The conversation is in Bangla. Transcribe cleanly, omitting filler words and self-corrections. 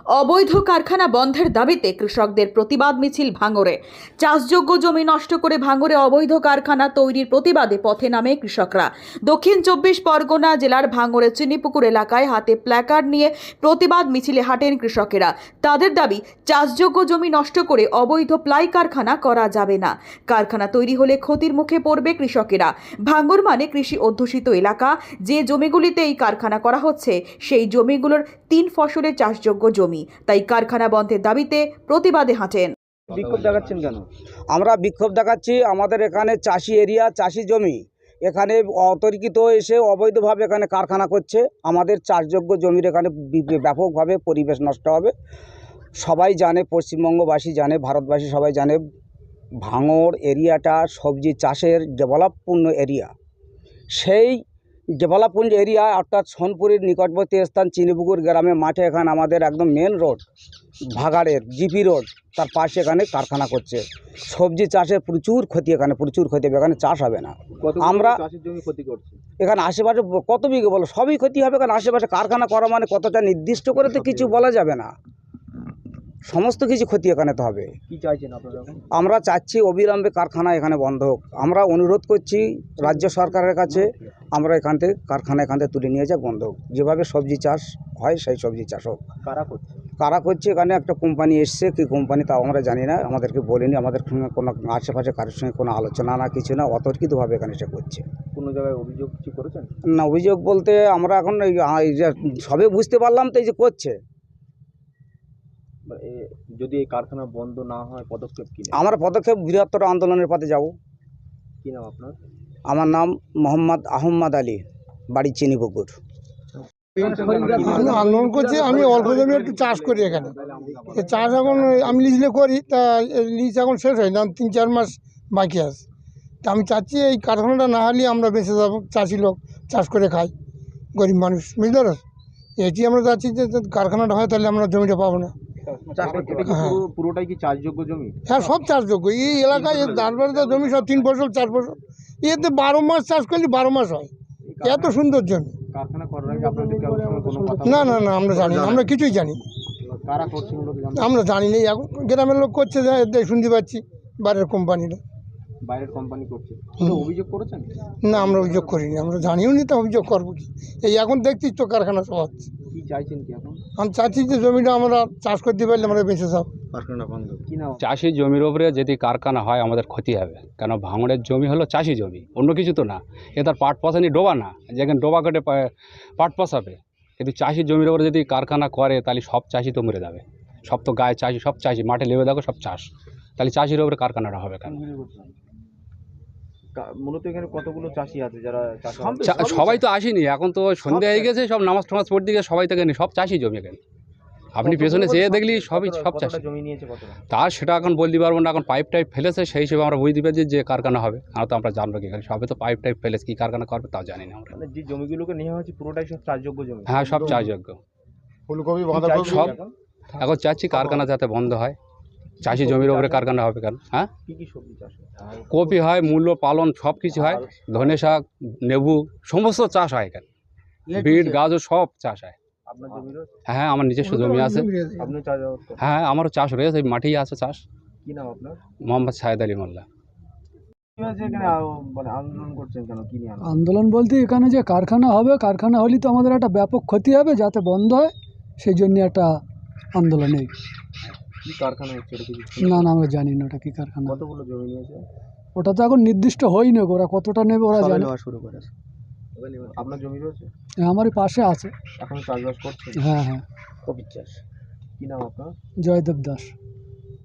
অবৈধ কারখানা বন্ধের দাবিতে কৃষকদের প্রতিবাদ মিছিল ভাঙড়ে। চাষযোগ্য জমি নষ্ট করে ভাঙড়ে অবৈধ কারখানা তৈরির প্রতিবাদে পথে নামে কৃষকরা। দক্ষিণ 24 পরগনা জেলার ভাঙড়ের চিনিপুকুর এলাকায় হাতে প্ল্যাকার্ড নিয়ে প্রতিবাদ মিছিলে হাঁটেন কৃষকেরা। তাদের দাবি, চাষযোগ্য জমি নষ্ট করে অবৈধ প্লাই কারখানা করা যাবে না। কারখানা তৈরি হলে ক্ষতির মুখে পড়বে কৃষকেরা। ভাঙড় মানে কৃষি অধ্যুষিত এলাকা। যে জমিগুলিতে এই কারখানা করা হচ্ছে সেই জমিগুলোর 3 ফসলের চাষযোগ্য জমি। তাই কারখানা বন্ধের দাবিতে প্রতিবাদে হাঁটেন। বিক্ষোভ দেখাচ্ছেন কেন? আমরা বিক্ষোভ দেখাচ্ছি, আমাদের এখানে চাষি এরিয়া, চাষি জমি, এখানে অতর্কিত এসে অবৈধভাবে এখানে কারখানা করছে। আমাদের চাষযোগ্য জমির এখানে ব্যাপকভাবে পরিবেশ নষ্ট হবে। সবাই জানে, পশ্চিমবঙ্গবাসী জানে, ভারতবাসী সবাই জানে, ভাঙড় এরিয়াটা সবজি চাষের ডেভেলপপূর্ণ এরিয়া। সেই ডেভেলপমেন্ট এরিয়া অর্থাৎ সোনপুরের নিকটবর্তী স্থান চিনিপুকুর গ্রামে মাঠে এখানে আমাদের একদম মেন রোড, ভাগাড়ের জিপি রোড, তার পাশে এখানে কারখানা করছে। সবজি চাষের প্রচুর ক্ষতি, এখানে প্রচুর ক্ষতি হবে, এখানে চাষ হবে না। আমরা চাষের জমি ক্ষতি করছে এখানে আশেপাশে কত বিঘে বলো, সবই ক্ষতি হবে। কারণ আশেপাশে কারখানা করা মানে কতটা নির্দিষ্ট করে তো কিছু বলা যাবে না, সমস্ত কিছু ক্ষতি এখানে তো হবে। কি চাইছেন আপনারা? আমরা চাচ্ছি অবিলম্বে কারখানা এখানে বন্ধ হোক। আমরা অনুরোধ করছি রাজ্য সরকারের কাছে, আমরা এখান থেকে কারখানা এখান থেকে তুলে নিয়ে যাক, বন্ধ হোক। যেভাবে সবজি চাষ হয় সেই সবজি চাষ হোক। কারা করছে এখানে একটা কোম্পানি এসছে, কি কোম্পানি তাও আমরা জানি না, আমাদেরকে বলেনি। আমাদের সঙ্গে কোনো আশেপাশে কারোর সঙ্গে কোনো আলোচনা না, কিছু না, অতর্কিতভাবে এখানে সে করছে। কোনো জায়গায় অভিযোগ কিছু করেছেন? না, অভিযোগ বলতে আমরা এখন এই যে সবে বুঝতে পারলাম তো, এই যে করছে। যদি এই কারখানা বন্ধ না হয় পদক্ষেপ কি? আমরা পদক্ষেপ বৃহত্তর আন্দোলনের পথে যাব। কি নাম আপনার? আমার নাম মোহাম্মদ আহম্মদ আলী, বাড়ি চিনিপুকুর। আমি আন্দোলন করছি। আমি অল্প জমি একটু চাষ করি এখানে। চাষ এখন আমি লিজলে করি, তা লিজ এখন শেষ হয় না, 3-4 মাস বাকি আছে। তা আমি চাচ্ছি এই কারখানাটা না হলে আমরা বেঁচে যাবো। চাষি লোক চাষ করে খাই, গরিব মানুষ, বুঝতে পারো। এটি আমরা চাচ্ছি যে কারখানাটা হয়, তাহলে আমরা জমিটা পাবো না। পুরোটাই কি চাষযোগ্য জমি? হ্যাঁ, সব চাষযোগ্য। এই এলাকায় দাঁড়বাড়িতে জমি সব 3 ফসল 4 ফসল, এতে 12 মাস চাষ করলে 12 মাস হয়। এত সুন্দর জমি। কারখানা করার আগে আপনাদের কোনো কথা? না না না, আমরা জানি না, আমরা কিছুই জানি না। কারা করছে মূলত জানেন? আমরা জানি না, এখন গ্রামের লোক করছে, শুনতে পাচ্ছি বাইরের কোম্পানিরা। বাইরের কোম্পানি করছে, অভিযোগ করেছেন? না, আমরা অভিযোগ করিনি, আমরা জানিও নি, তো অভিযোগ করবো কি? এই এখন দেখছিস তো কারখানা সব হচ্ছে। কি চাইছেন কি এখন? আমি চাচ্ছি যে জমিটা আমরা চাষ করতে পারলে আমরা বেঁচে যাবো। কারখানা বন্ধ। কি নাম? চাষি জমির উপরে যদি কারখানা হয় আমাদের ক্ষতি হবে, কেন ভাঙড়ের জমি হলো চাষি জমি, অন্য কিছু তো না। এ তার পাট পচানি ডোবা না, যেখানে ডোবা কেটে পাট পচাবে। কিন্তু চাষির জমির উপরে যদি কারখানা করে তাহলে সব চাষি তো মরে যাবে। সব তো গায়ে চাষি, সব চাষি মাঠে লেবে দেখো সব চাষ, তাহলে চাষির উপরে কারখানাটা হবে কেন? মূলত এখানে কতগুলো চাষি আছে যারা সবাই তো আসেনি, এখন তো সন্ধ্যা হয়ে গেছে, সব নামাজ টামাজ পড়তে গিয়ে সবাই তো এখানে সব চাষি জমি। এখানে আপনি পেছনে যেয়ে দেখলি সব চাষি জমি নিয়েছে। কতটা তার সেটা এখন বলতে পারবো না, এখন পাইপ টাইপ ফেলেছে, সেই হিসেবে আমরা বুঝতে পারছি যে কারখানা হবে। আর তো আমরা জানবো কি, এখানে সবে তো পাইপ টাইপ ফেলেছে, কি কারখানা করবে তাও জানি না আমরা। যে জমিগুলোকে নেওয়া হয়েছে পুরোটাই সব চাষযোগ্য জমি? হ্যাঁ, সব চাষযোগ্য। ফুলকপি, সব এখন চাচ্ছি কারখানা যাতে বন্ধ হয়। চাষি জমির উপরে কারখানা হবে কেন? হ্যাঁ, কি কি সবজি চাষ হয়? কপি হয়, মূল্য পালন সব কিছু হয়, ধনে শাক, লেবু, সমস্ত চাষ হয় এখানে, বিট গাজর সব চাষ হয়। আপনার জমি রয়েছে? হ্যাঁ, আমার নিজস্ব জমি আছে। আপনি চাষাবাদ করেন? হ্যাঁ, আমারও চাষ রয়েছে, মাঠেই আছে চাষ। কি নাম আপনার? মোহাম্মদ শাহেদ আলী মোল্লা। মানে আন্দোলন করছেন কেন? কি নিয়ে আন্দোলন বলতে এখানে যে কারখানা হবে, কারখানা হলে তো আমাদের একটা ব্যাপক ক্ষতি হবে, যাতে বন্ধ হয় সেই জন্য একটা আন্দোলন। এই কি কারখানা হচ্ছে? না না, আমরা জানি না ওটা কী কারখানা। কতগুলো জমি নিয়েছে? ওটা তো এখন নির্দিষ্ট হয়নি, ওরা কতটা নেবে ওরা জানে। শুরু করেছে। আপনার জমি রয়েছে? আমারই পাশে আছে। এখন চাষবাস করছে? হ্যাঁ হ্যাঁ। কপির চাষ। কি নাম আপনার? জয়দেব দাস।